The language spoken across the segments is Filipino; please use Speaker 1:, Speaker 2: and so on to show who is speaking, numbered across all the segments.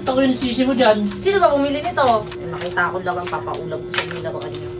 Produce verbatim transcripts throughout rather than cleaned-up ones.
Speaker 1: Ba't ako yung sisi mo dyan?
Speaker 2: Sino ba bumili nito? Eh, makita ko lang ang papaulam ko sa inyo laruan niyo.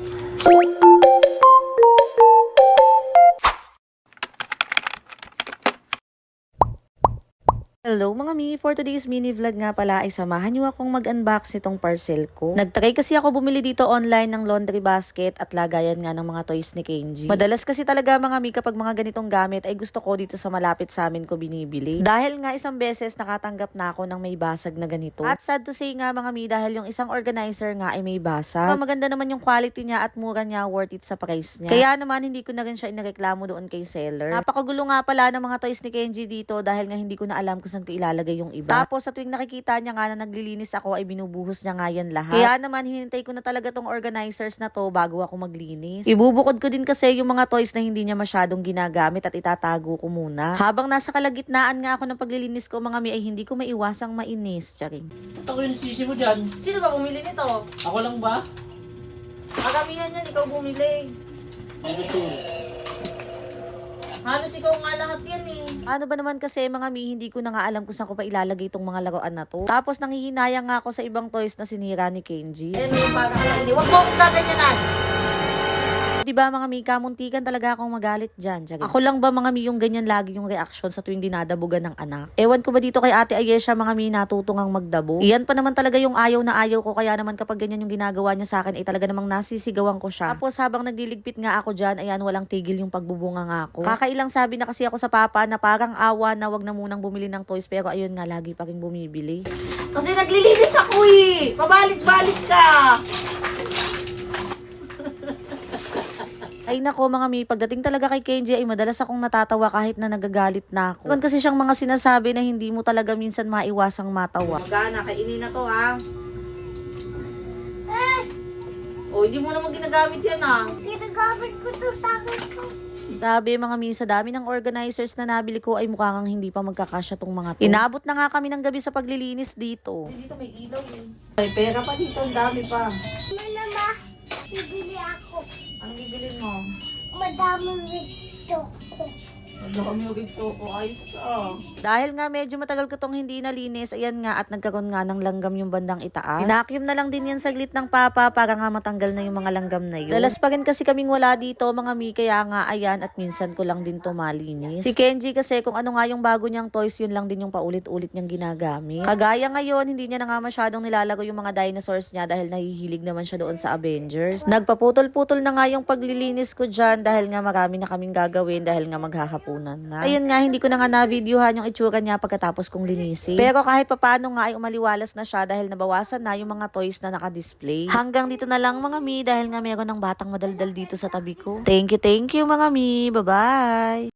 Speaker 3: Hello mga mi! For today's mini vlog nga pala ay samahan niyo akong mag-unbox nitong parcel ko. Nagtry kasi ako bumili dito online ng laundry basket at lagayan nga ng mga toys ni Kenji. Madalas kasi talaga mga mi kapag mga ganitong gamit ay gusto ko dito sa malapit sa amin ko binibili. Dahil nga isang beses nakatanggap na ako ng may basag na ganito. At sad to say nga mga mi dahil yung isang organizer nga ay may basag. Maganda naman yung quality niya at mura niya, worth it sa price niya. Kaya naman hindi ko na rin siya inareklamo doon kay seller. Napakagulo nga pala ng mga toys ni Kenji dito dahil nga hindi ko na alam kung saan ko ilalagay yung iba. Tapos sa tuwing nakikita niya nga na naglilinis ako ay binubuhos niya nga yan lahat. Kaya naman hinintay ko na talaga tong organizers na to bago ako maglinis. Ibubukod ko din kasi yung mga toys na hindi niya masyadong ginagamit at itatago ko muna. Habang nasa kalagitnaan nga ako ng paglilinis ko mga mi ay hindi ko maiwasang mainis. Charing.
Speaker 1: Ba't ako yung sisi mo dyan?
Speaker 2: Sino ba bumili nito?
Speaker 1: Ako lang ba?
Speaker 2: Karamihan yan, ikaw bumili.
Speaker 1: Ano sure?
Speaker 2: Halos ikaw nga lahat yan eh.
Speaker 3: Ano ba naman kasi mga mi, hindi ko na nga alam kung saan ko pa ilalagay itong mga laruan na to. Tapos nanghihinayang nga ako sa ibang toys na sinira ni Kenji.
Speaker 2: Ayan yung parang hindi. Huwag mo akong gaganyanan.
Speaker 3: Diba mga mi, kamuntikan talaga akong magalit dyan. Tiyaga. Ako lang ba mga mi yung ganyan lagi yung reaction sa tuwing dinadabugan ng anak? Ewan ko ba dito kay Ate Ayesha mga mi natutungang magdabo? Iyan pa naman talaga yung ayaw na ayaw ko, kaya naman kapag ganyan yung ginagawa niya sa akin ay talaga namang nasisigawan ko siya. Tapos habang nagliligpit nga ako dyan, ayan walang tigil yung pagbubunga nga ako. Kakailang sabi na kasi ako sa papa na parang awa na wag na munang bumili ng toys, pero ayun nga lagi pa rin bumibili.
Speaker 2: Kasi naglilinis ako eh. Pabalik-balik ka.
Speaker 3: Ay nako mga mi, pagdating talaga kay Kenji ay madalas akong natatawa kahit na nagagalit na ako. Meron kasi siyang mga sinasabi na hindi mo talaga minsan maiwasang matawa.
Speaker 2: Magana, kainin na to ha. Eh! O, hindi mo naman ginagamit yan ha.
Speaker 4: Ginagamit ko to sa akin ko.
Speaker 3: Grabe mga mi, sa dami ng organizers na nabili ko ay mukhang hindi pa magkakasya tong mga to. Inabot na nga kami ng gabi sa paglilinis dito.
Speaker 2: Dito may ilaw eh. May pera pa dito, ang dami pa.
Speaker 4: Mama, ma, bibili ako.
Speaker 2: Anong bibilin mo?
Speaker 4: Madaming rito ko.
Speaker 2: Wala kami rito ko. Ayos ka.
Speaker 3: Dahil nga medyo matagal ko tong hindi nalinis, ayan nga at nagkaroon nga ng langgam yung bandang itaas. Pinakyum na lang din yan saglit ng papa para nga matanggal na yung mga langgam na yun. Dalas pa rin kasi kaming wala dito mga mi, kaya nga ayan at minsan ko lang din to malinis. Si Kenji kasi kung ano nga yung bago niyang toys, yun lang din yung paulit-ulit niyang ginagamit. Kagaya ngayon, hindi niya na nga masyadong nilalaro yung mga dinosaurs niya dahil nahihilig naman siya doon sa Avengers. Nagpaputol-putol na nga yung paglilinis ko dyan dahil nga marami na kaming gagawin dahil nga maghahapon na. Ayun nga, hindi ko na nga na-videohan yung itsura niya pagkatapos kong linisin. Pero kahit papano nga ay umaliwalas na siya dahil nabawasan na yung mga toys na naka-display. Hanggang dito na lang mga mi dahil nga meron ng batang madaldal dito sa tabi ko. Thank you, thank you mga mi. Bye-bye!